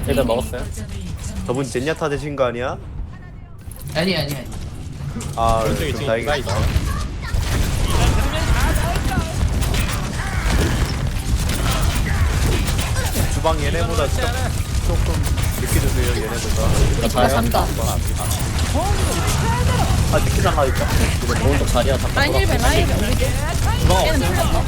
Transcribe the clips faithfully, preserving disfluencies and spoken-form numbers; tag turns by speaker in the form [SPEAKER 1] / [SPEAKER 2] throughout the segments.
[SPEAKER 1] 일단 먹었어요.
[SPEAKER 2] 저분 젠야타 되신 거 아니야?
[SPEAKER 3] 아니 아니 아니.
[SPEAKER 2] 아
[SPEAKER 1] 왼쪽에
[SPEAKER 2] 좀
[SPEAKER 1] 뒤에
[SPEAKER 2] 다행이다.
[SPEAKER 1] 있어.
[SPEAKER 2] 주방 얘네보다 좀, 조금 늦게 주세요 얘네보다.
[SPEAKER 4] 제가 산다.
[SPEAKER 2] 아 늦게 나가니까.
[SPEAKER 1] 이거 오른쪽 자리야 다
[SPEAKER 4] 라인 힐벤 라인 힐벤 우리
[SPEAKER 1] 주방
[SPEAKER 4] 얘는
[SPEAKER 1] 없어요.
[SPEAKER 4] 풀렸다.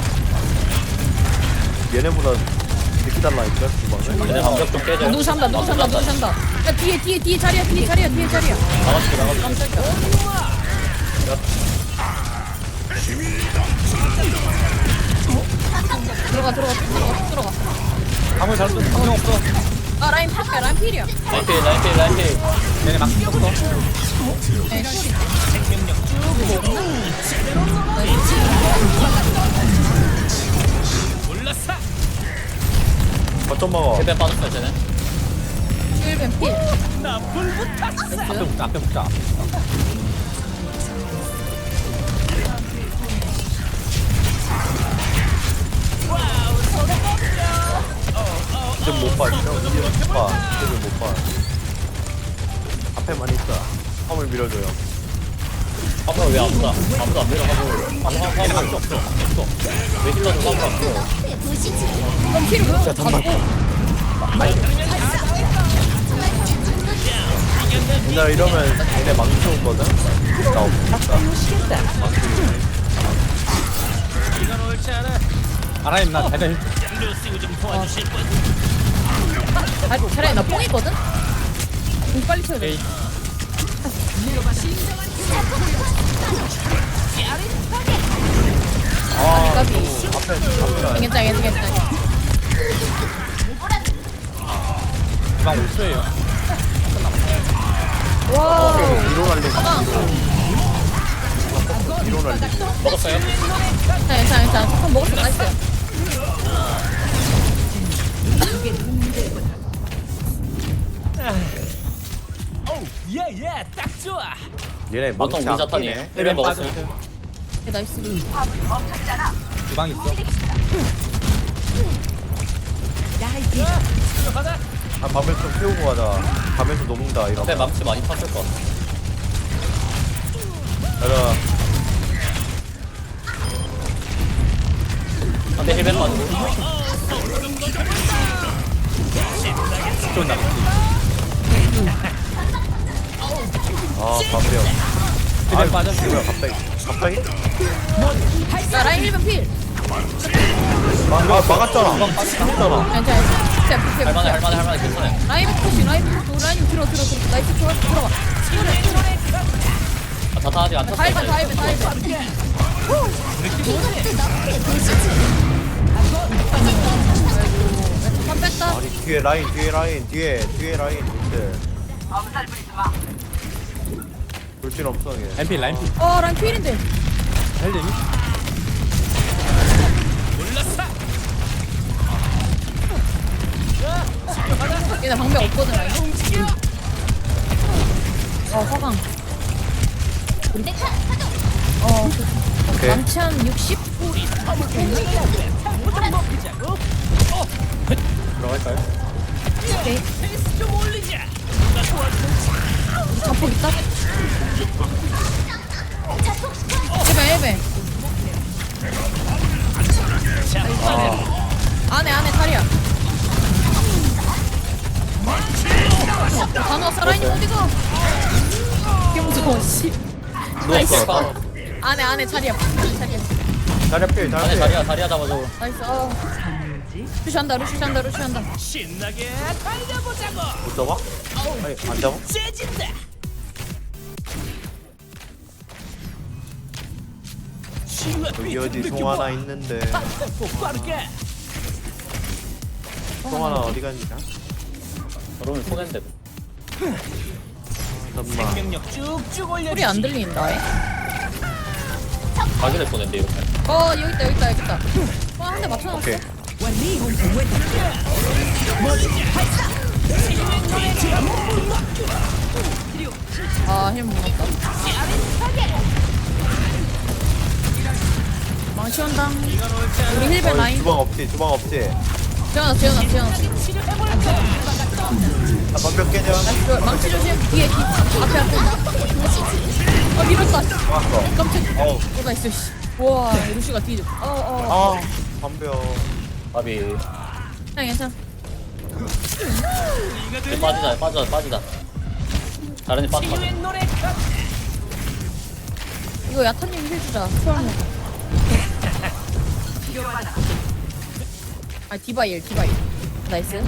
[SPEAKER 2] 얘네보다 늦게 달라니까 주방을.
[SPEAKER 1] 얘네 방벽 좀 깨져.
[SPEAKER 4] 누구 산다 누구 산다 누구 산다. 야 뒤에 뒤에 뒤에 자리야 뒤에 자리야 뒤에 자리야.
[SPEAKER 1] 나가줄게 나가줄게.
[SPEAKER 4] 깜짝이야. 들어가 들어가 쭉 들어가 쭉 들어가.
[SPEAKER 1] 방을 잘 쏘는 방금 없어.
[SPEAKER 4] 아 라인 필이야 라인 필이야.
[SPEAKER 1] 라인필 라인필 라인필. 얘네 막 쳤어.
[SPEAKER 4] 네, 필이.
[SPEAKER 2] 거점 먹어.
[SPEAKER 1] 힐벤 빠졌어요 쟤네.
[SPEAKER 4] 힐벤 필.
[SPEAKER 1] 앞에 붙자 앞에 붙자.
[SPEAKER 2] 지금 못 봐. 지금 못 봐. 지금 못 봐. 앞에만 있다. 화물 밀어줘요.
[SPEAKER 1] 화물 왜 아무도 안- 아무도 안 내려가고. 화물 화물 없어 없어. 왜 힐러도 화물 없어.
[SPEAKER 4] 그럼 필을 왜 가지고?
[SPEAKER 2] 옛날에 이러면 얘네 망치 오거든? 나 없다.
[SPEAKER 1] 아라임 나 대대.
[SPEAKER 4] 아 차라리 나 뽕이거든? 공 빨리 쳐야 돼.
[SPEAKER 2] 아,
[SPEAKER 4] 까비.
[SPEAKER 2] 앞에, 앞에.
[SPEAKER 4] 괜찮아 괜찮아 괜찮아.
[SPEAKER 1] 주방 오 초예요.
[SPEAKER 4] 와우.
[SPEAKER 2] 뒤로 날리고.
[SPEAKER 4] 가방.
[SPEAKER 2] 뒤로 날리고.
[SPEAKER 1] 먹었어요?
[SPEAKER 4] 괜찮아 괜찮아 괜찮아. 잠깐 먹었어 나이스.
[SPEAKER 5] 예예 딱 좋아.
[SPEAKER 2] 얘네
[SPEAKER 1] 보통
[SPEAKER 2] 망치
[SPEAKER 1] 우리
[SPEAKER 2] 안
[SPEAKER 1] 자탄이에요.
[SPEAKER 2] 끼네.
[SPEAKER 1] 힐벤 먹었어요.
[SPEAKER 4] 네, 나이스.
[SPEAKER 1] 주방 있어.
[SPEAKER 2] 아, 밤에 좀 태우고 가자. 밤에서 녹는다,
[SPEAKER 1] 앞에
[SPEAKER 2] 이러면.
[SPEAKER 1] 망치 많이 탔을 것 같아.
[SPEAKER 2] 가자.
[SPEAKER 1] 앞에 힐벤 빠지고. 좀 남지.
[SPEAKER 2] 아, 밤이야.
[SPEAKER 1] 힐벤 빠졌어.
[SPEAKER 2] 뭐야, 갑자기. 갑자기?
[SPEAKER 4] 야 라인 힐벤 필.
[SPEAKER 2] 마, 마, 막았잖아. 막았잖아.
[SPEAKER 4] 괜찮아. 진짜 필.
[SPEAKER 1] 할만해 할만해 할만해 괜찮아요.
[SPEAKER 4] 라인 푸시 라인 푸시 라인 들어 들어 들어. 나이스 들어 들어가.
[SPEAKER 1] 아, 자탄 아직 안
[SPEAKER 4] 다
[SPEAKER 1] 탔어요.
[SPEAKER 4] 힐벤 다 힐벤 다 힐벤. 한 뺐다.
[SPEAKER 2] 아니, 뒤에 라인, 뒤에 라인, 뒤에, 뒤에 라인, 밑에. 돌진 없어, 얘.
[SPEAKER 1] 라인필 라인필.
[SPEAKER 4] 어 라인 필인데.
[SPEAKER 1] 헬리니?
[SPEAKER 4] 얘네 방벽 없거든 라인. 어 화강. 어
[SPEAKER 2] 오케이.
[SPEAKER 4] 많지 한 육십?
[SPEAKER 1] 들어갈까요?
[SPEAKER 4] 오케이. 자폭 있다? 힐벤 힐벤. 안에 안에 탈이야. 단어 살아있니 어디가? 개 무서워 씨.
[SPEAKER 1] 누웠어.
[SPEAKER 4] 안에 안에 자리야. 안에 자리야.
[SPEAKER 2] 자리 필, 자리
[SPEAKER 1] 안에
[SPEAKER 2] 필.
[SPEAKER 1] 자리야 자리야 잡아줘.
[SPEAKER 4] 나이스. 어. 루시한다 루시한다 루시한다.
[SPEAKER 5] 신나게 달려보자고.
[SPEAKER 2] 못 잡아? 아니, 안 잡아?
[SPEAKER 5] 재진다.
[SPEAKER 2] 여기 어디 송 하나 있는데.
[SPEAKER 5] 빠르게.
[SPEAKER 2] 송 하나 어디 갔냐?
[SPEAKER 1] 그러면 손해인데.
[SPEAKER 2] 잠깐만.
[SPEAKER 5] 생명력 쭉쭉 올려.
[SPEAKER 4] 소리 안 들린다. 에?
[SPEAKER 1] 가게를 손해인데 이렇게.
[SPEAKER 4] 어 여기 있다 여기 있다 여기 있다. 어한 대 맞춰놨어.
[SPEAKER 2] 오케이.
[SPEAKER 4] 아힐 못났다. 망치 온다. 우리 힐벤
[SPEAKER 2] 어,
[SPEAKER 4] 라인.
[SPEAKER 2] 주방 없지, 주방 없지.
[SPEAKER 4] 지원아 지원아 지원아.
[SPEAKER 2] 몇 개냐?
[SPEAKER 4] 나이스. 망치 조심. 뒤에 뒤. 앞에 앞에. 아 밀었다.
[SPEAKER 2] 왔어.
[SPEAKER 4] 깜짝.
[SPEAKER 2] 어우.
[SPEAKER 4] 어 나이스. 씨. 와 루시가 뒤져. 어어.
[SPEAKER 2] 아, 덤벼.
[SPEAKER 1] 바비.
[SPEAKER 4] 괜찮아 괜찮아.
[SPEAKER 1] 이제 빠지자 빠지자 빠지자. 다른 애 빠져 빠져.
[SPEAKER 5] 치유의 노래
[SPEAKER 4] 이거 야타님 힐 주자. 초월로. 아 디바일 디바일. 나이스.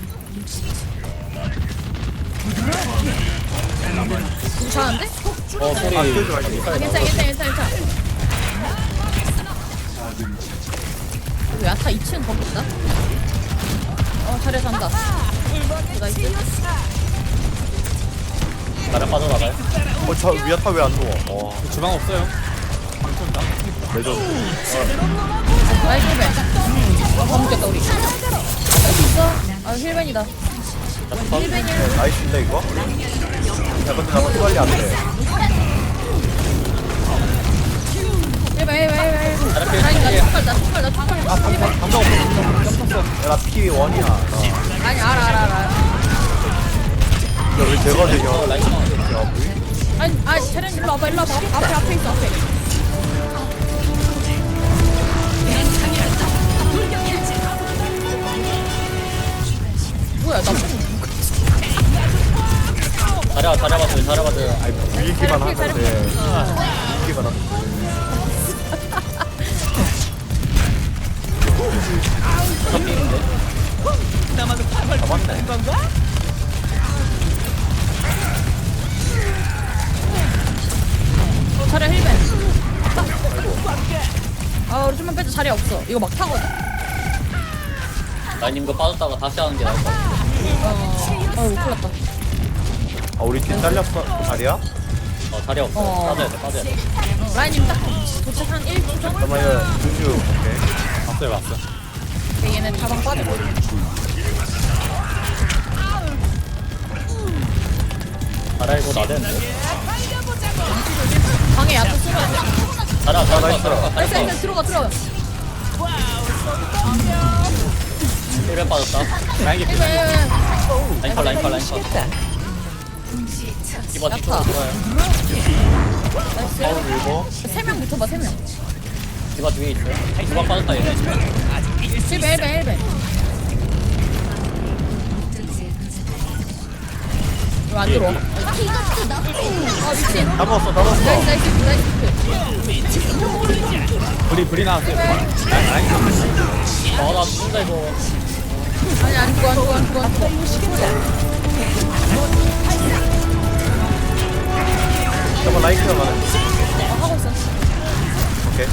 [SPEAKER 4] 이거 잘하는데?
[SPEAKER 1] 어 소리.
[SPEAKER 2] 아, 띄우지 말지.
[SPEAKER 4] 아, 괜찮아 괜찮아 괜찮아 괜찮아. 이거 야타 이 층 거기 있다. 어 잘해 산다. 나이스.
[SPEAKER 1] 나랑 빠져나가요.
[SPEAKER 2] 어, 저 위아타 왜 안 누워? 와,
[SPEAKER 6] 주방 없어요.
[SPEAKER 2] 레전드.
[SPEAKER 4] 나이스 힐벤. 아 범죄다 우리. 할 수 있어. 아 힐벤이다. 힐벤이.
[SPEAKER 2] 나이스인데, 이거? 야, 근데 나 빨리 안 돼.
[SPEAKER 4] 힐벤 힐벤 힐벤. 아니 나 축발 나 축발 나 축발. 힐벤.
[SPEAKER 6] 감정 없어.
[SPEAKER 2] 야, 나 피 원이야. 나.
[SPEAKER 4] 아니 알아 알아 알아.
[SPEAKER 2] 야, 왜 제가 되냐?
[SPEAKER 1] 어 라이트.
[SPEAKER 2] 야, 뭐이?
[SPEAKER 4] 아니 아니 차량 일로 와봐 일로 와봐. 앞에 앞에 있어 앞에. 뭐야 나
[SPEAKER 1] 자려 자려 봐도 자려 봐도.
[SPEAKER 2] 아니, 불리기만
[SPEAKER 4] 잘 피해, 잘
[SPEAKER 2] 하는데.
[SPEAKER 4] 피해.
[SPEAKER 2] 불리기만 하는데.
[SPEAKER 5] 나만도 팔팔
[SPEAKER 2] 잡았네.
[SPEAKER 5] 건가?
[SPEAKER 4] 어, 차량 힐벤. 아 우리 좀만 빼자 자리 없어. 이거 막 타거든.
[SPEAKER 1] 라인님 거 빠졌다가 다시 하는 게 나을 것 같아.
[SPEAKER 4] 어. 어우 큰일 났다.
[SPEAKER 2] 아, 우리 팀 잘렸어. 자리야?
[SPEAKER 1] 어 자리 없어.
[SPEAKER 4] 어.
[SPEAKER 1] 빠져야 돼 빠져야 돼.
[SPEAKER 4] 라인님 딱 도착 한 일 분 전?
[SPEAKER 2] 잠깐만요. 준주. 오케이.
[SPEAKER 6] 왔어요, 왔어.
[SPEAKER 4] 오케이, 얘는 가방 빠지고.
[SPEAKER 1] 자라 이거 나대는데.
[SPEAKER 4] 방에 야채 쓸어야 돼.
[SPEAKER 1] 자라 자라
[SPEAKER 2] 나이스.
[SPEAKER 1] 자라
[SPEAKER 4] 나이스
[SPEAKER 1] 자라.
[SPEAKER 4] 나이스 들어가 들어가.
[SPEAKER 1] 힐벤 빠졌다.
[SPEAKER 6] 라인기
[SPEAKER 4] 힐벤 힐벤.
[SPEAKER 1] 라인 컬 라인 컬 라인 컬. 이번
[SPEAKER 4] 야타.
[SPEAKER 1] 뒤로 좋아요.
[SPEAKER 4] 나이스.
[SPEAKER 2] 일곱.
[SPEAKER 4] 세 명 붙어봐 세 명.
[SPEAKER 1] 디바 뒤에 있어요. 디바 빠졌다 얘네.
[SPEAKER 4] 힐벤 힐벤 힐벤. 이거 안 들어와. 아 미친.
[SPEAKER 2] 다 먹었어, 다 먹었어.
[SPEAKER 4] 나이스 나이스 나이스.
[SPEAKER 6] 불이, 불이 나왔어요. 불이. 라인, 라인.
[SPEAKER 1] 아나 죽는다 이거.
[SPEAKER 4] 아니 안 죽어 안 죽어 안 죽어 안 죽어.
[SPEAKER 2] 잠깐만, 라이크가 가네.
[SPEAKER 4] 어, 하고 있어.
[SPEAKER 2] 오케이.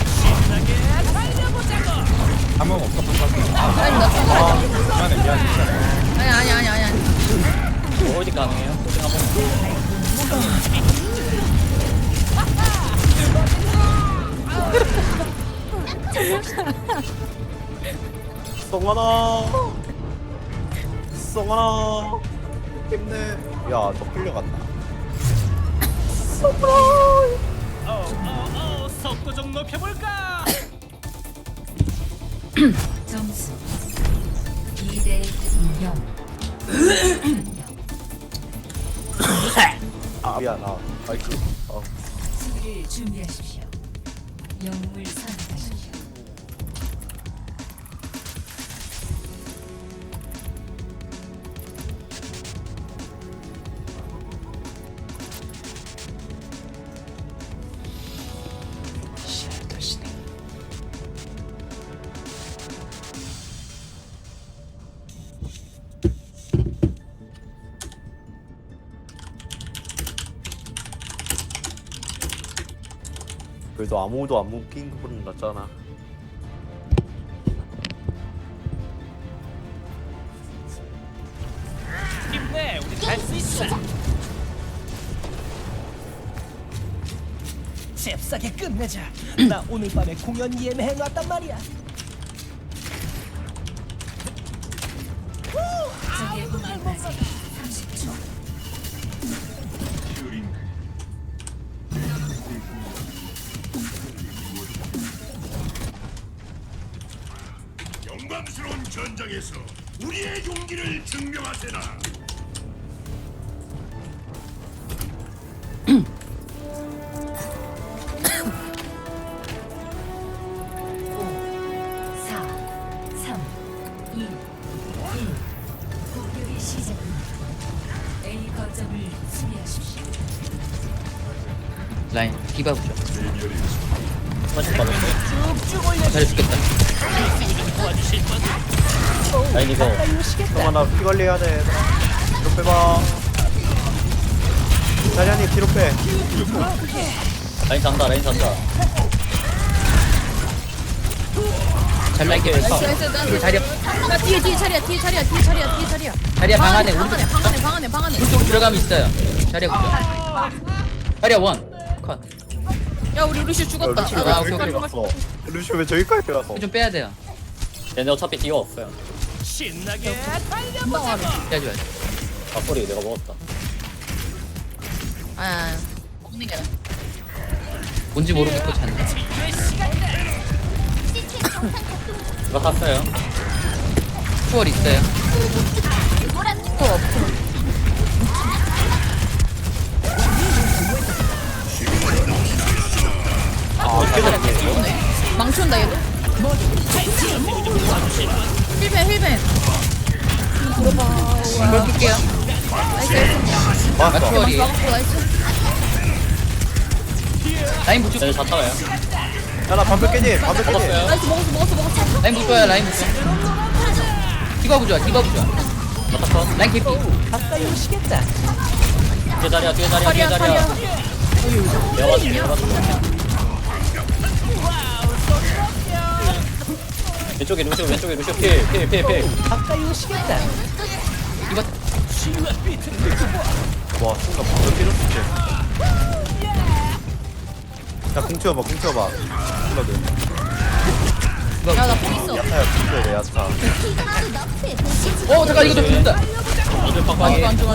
[SPEAKER 6] 감정 없어, 감정.
[SPEAKER 4] 아니 나 죽어.
[SPEAKER 6] 미안해, 미안해. 미안해.
[SPEAKER 4] 아니 아니 아니 아니 아니.
[SPEAKER 1] 뭐 어디 가능해요? 고생 한번.
[SPEAKER 2] 송하나. 송하나. 힘내. 야, 저 끌려갔다.
[SPEAKER 5] 어어어 속도 좀 높여볼까?
[SPEAKER 7] 점수 이 대 영.
[SPEAKER 2] 아, 미안. 아, 마이크. 어.
[SPEAKER 7] 수비를 준비하십시오. 영웅을 선택하십시오.
[SPEAKER 2] 그래도 아무도 안 묶인 것보다 낫잖아.
[SPEAKER 5] 힘내, 우리 갈 수 있어. 잽싸게 끝내자. 나 오늘 밤에 공연 예매해 놨단 말이야.
[SPEAKER 7] 적의 공격까지 삼십 초.
[SPEAKER 8] 영광스러운 전장에서 우리의 용기를 증명하세나.
[SPEAKER 7] 사, 삼, 이, 일. 공격이 시작됩니다. A 거점을 수비하십시오.
[SPEAKER 3] 라인 디바 부죠.
[SPEAKER 1] 사실 받았어.
[SPEAKER 3] 잘 죽겠다.
[SPEAKER 1] 라인 이거
[SPEAKER 2] 잠깐만 나 피 관리해야 돼 얘들아. 뒤로 빼봐. 자리아님 뒤로 빼.
[SPEAKER 1] 라인 잔다 라인 잔다.
[SPEAKER 3] 잘 나게.
[SPEAKER 4] 나이스 나이스 나이스.
[SPEAKER 3] 자리야.
[SPEAKER 4] 나 뒤에 뒤에 자리야 뒤에 자리야 뒤에 자리야 뒤에 자리야.
[SPEAKER 3] 자리야 방 안에
[SPEAKER 4] 방
[SPEAKER 3] 오른쪽
[SPEAKER 4] 안에 방 안에 방 안에 방 안에.
[SPEAKER 3] 오른쪽 들어가면 있어요. 자리야 부죠. 자리야 원. 컷.
[SPEAKER 4] 야 우리 루시 죽었다.
[SPEAKER 2] 루시오
[SPEAKER 3] 아,
[SPEAKER 2] 왜
[SPEAKER 3] 오케이,
[SPEAKER 2] 저기까지
[SPEAKER 3] 오케이.
[SPEAKER 2] 갔어? 루시오 왜 저기까지 갔어?
[SPEAKER 3] 좀 빼야 돼요.
[SPEAKER 1] 얘네 어차피 디어 없어요.
[SPEAKER 5] 신나게
[SPEAKER 4] 금방 와라.
[SPEAKER 3] 빼야지.
[SPEAKER 1] 아 소리 내가 먹었다.
[SPEAKER 4] 아 먹는 게.
[SPEAKER 3] 뭔지 모르겠고 잔다.
[SPEAKER 1] 이거 탔어요.
[SPEAKER 3] 추월 있어요.
[SPEAKER 4] 또 없어.
[SPEAKER 1] 아 잘했네.
[SPEAKER 4] 망치온다 얘도. 힐벤 힐벤. 들어봐.
[SPEAKER 3] 이걸 끌게요.
[SPEAKER 4] 나이스 나이스.
[SPEAKER 3] 아
[SPEAKER 2] 맞어.
[SPEAKER 3] 추월이.
[SPEAKER 4] 막았고 나이스.
[SPEAKER 3] 라인 부죠.
[SPEAKER 1] 얘네 잤다가요.
[SPEAKER 2] 야나 반벽 깨지. 반벽 깨지.
[SPEAKER 1] 먹었어요.
[SPEAKER 4] 나이스 먹었어 먹었어 먹었어.
[SPEAKER 3] 라인 부죠야 라인 부죠. 디바 부죠. 디바 부죠.
[SPEAKER 1] 맞았어.
[SPEAKER 3] 라인 개피.
[SPEAKER 5] 가까이 오시겠다.
[SPEAKER 1] 뒤에 자리야 뒤에 자리야 뒤에
[SPEAKER 4] 자리야
[SPEAKER 1] 자리야.
[SPEAKER 4] 자리야.
[SPEAKER 1] 내가 맞았어 내가 맞았어. 왼쪽에 루시오 왼쪽에 루시오 필필필필.
[SPEAKER 5] 가까이 오시겠다.
[SPEAKER 3] 이거
[SPEAKER 2] 와 순간 반벽 깨졌지. 야공 치워봐 공 치워봐. 힐러들.
[SPEAKER 4] 야나 뽕 있어.
[SPEAKER 2] 야타야 공 치워야 돼 야타.
[SPEAKER 3] 어 잠깐 이거 좀 죽는다.
[SPEAKER 1] 이들
[SPEAKER 4] 안
[SPEAKER 1] 팡팡해.
[SPEAKER 4] 좋아 안 좋아.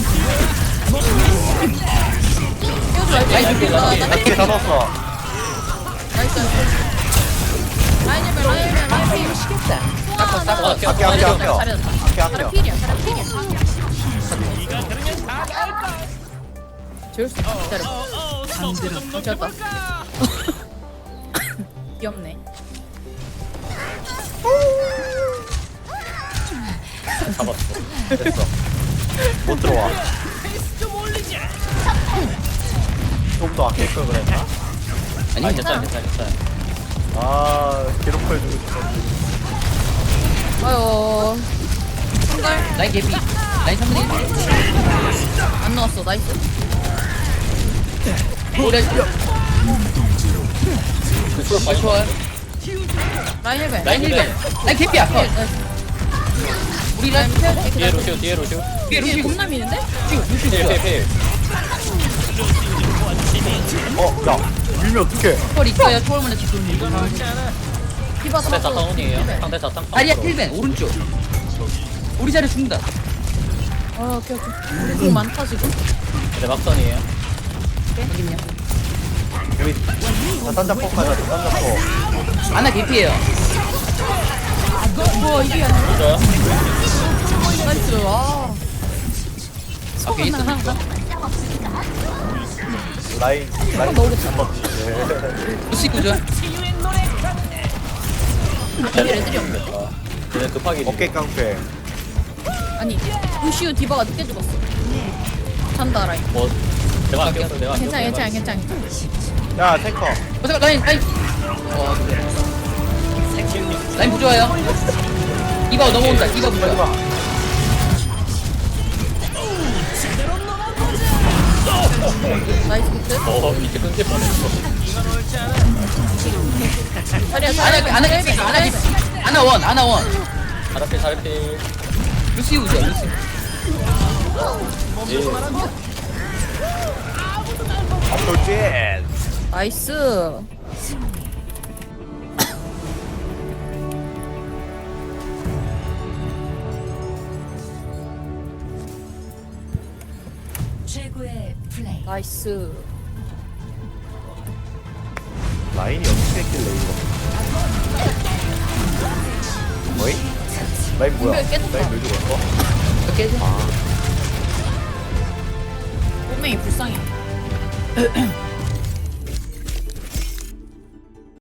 [SPEAKER 4] 띄워줘
[SPEAKER 3] 라인
[SPEAKER 4] 라이트.
[SPEAKER 3] 줄게,
[SPEAKER 4] 나
[SPEAKER 3] 라인.
[SPEAKER 4] 나
[SPEAKER 2] 이게 다 넣었어.
[SPEAKER 4] 나이스. 라인 힐벤 라인 힐벤 라인 힐벤.
[SPEAKER 5] 오시겠다.
[SPEAKER 4] 뽕 하나.
[SPEAKER 1] 아껴
[SPEAKER 2] 아껴 아껴 아껴.
[SPEAKER 4] 잘했다.
[SPEAKER 2] 아껴
[SPEAKER 4] 자라
[SPEAKER 2] 아껴.
[SPEAKER 4] 필이야 자라 필이야. 재울 수 있어. 기다려. 괜찮다. 귀엽네.
[SPEAKER 1] 잡았어.
[SPEAKER 2] 됐어. 못 들어와. 좀 더 아낄 걸 그랬나?
[SPEAKER 1] 아니
[SPEAKER 3] 아니
[SPEAKER 1] 괜찮아 괜찮아 괜찮아.
[SPEAKER 2] 아 괴롭혀주고 싶었는데.
[SPEAKER 4] 아유. 한걸
[SPEAKER 3] 라인 개피. 라인 삼분의 일.
[SPEAKER 4] 안 넣었어. 나이스.
[SPEAKER 3] 오래
[SPEAKER 1] 루시오
[SPEAKER 3] 좋아요.
[SPEAKER 4] 라인 힐벤.
[SPEAKER 3] 라인 일 번. 라인 개피야. 컷. 우리 라인
[SPEAKER 1] 뒤에 루시오 뒤에 루시오.
[SPEAKER 3] 뒤에
[SPEAKER 4] 루시
[SPEAKER 3] 루시
[SPEAKER 4] 겁나 미는데?
[SPEAKER 3] 루시 루시
[SPEAKER 1] 필필필.
[SPEAKER 2] 어, 야, 밀면 어떡해?
[SPEAKER 3] 추월 있어요. 추월 먼저 지금.
[SPEAKER 4] 디바
[SPEAKER 1] 상대
[SPEAKER 4] 잡았어.
[SPEAKER 1] 자탄원이에요. 상대 자탄.
[SPEAKER 3] 다리야 힐벤 오른쪽. 우리 자리 죽는다.
[SPEAKER 4] 아 오케이 오케이. 우리 공 많다 지금.
[SPEAKER 1] 네 막선이에요.
[SPEAKER 3] 여기요.
[SPEAKER 2] 여기 자탄 잡고 가자, 자탄 잡고.
[SPEAKER 3] 아나 개피예요.
[SPEAKER 4] 우와 이게 아니야.
[SPEAKER 1] 루시오요?
[SPEAKER 4] 나이스. 아.
[SPEAKER 3] 앞에 있어.
[SPEAKER 2] 라인, 라인 잡았지.
[SPEAKER 3] 루시 구조.
[SPEAKER 4] 여기 애들이 없네.
[SPEAKER 1] 아, 얘네 급하게.
[SPEAKER 2] 어깨 깡패.
[SPEAKER 4] 아니 루시우 디바가 늦게 죽었어. 잔다 라인.
[SPEAKER 1] 뭐 내가 안 꼈어 내가 안
[SPEAKER 4] 괜찮아
[SPEAKER 1] 꼈어.
[SPEAKER 4] 괜찮아 괜찮아.
[SPEAKER 2] 야, 탱커.
[SPEAKER 3] 어 잠깐 라인 라인. 어 그래. 라인 부조와요. 이거 넘어온다. 이거 부조.
[SPEAKER 4] 나이스 비트.
[SPEAKER 1] 어 밑에 끊길 뻔했어.
[SPEAKER 4] 자리야
[SPEAKER 3] 아나
[SPEAKER 4] 자리야.
[SPEAKER 3] 아나 개피. 아나 개피. 아나 원. 아나 원.
[SPEAKER 1] 잘할게 잘할게.
[SPEAKER 3] 루시 우죠. 루시.
[SPEAKER 1] 예.
[SPEAKER 2] 앞돌진.
[SPEAKER 4] 나이스.
[SPEAKER 7] 최고의 플레이.
[SPEAKER 4] 나이스.
[SPEAKER 2] 라인이 어떻게 했길래 이거? 뭐이? 라인 뭐야?
[SPEAKER 4] 분명히 깨졌다.
[SPEAKER 2] 라인 왜 죽었어?
[SPEAKER 3] 이렇게 해줘.
[SPEAKER 4] 꼬맹이 불쌍해.
[SPEAKER 3] 아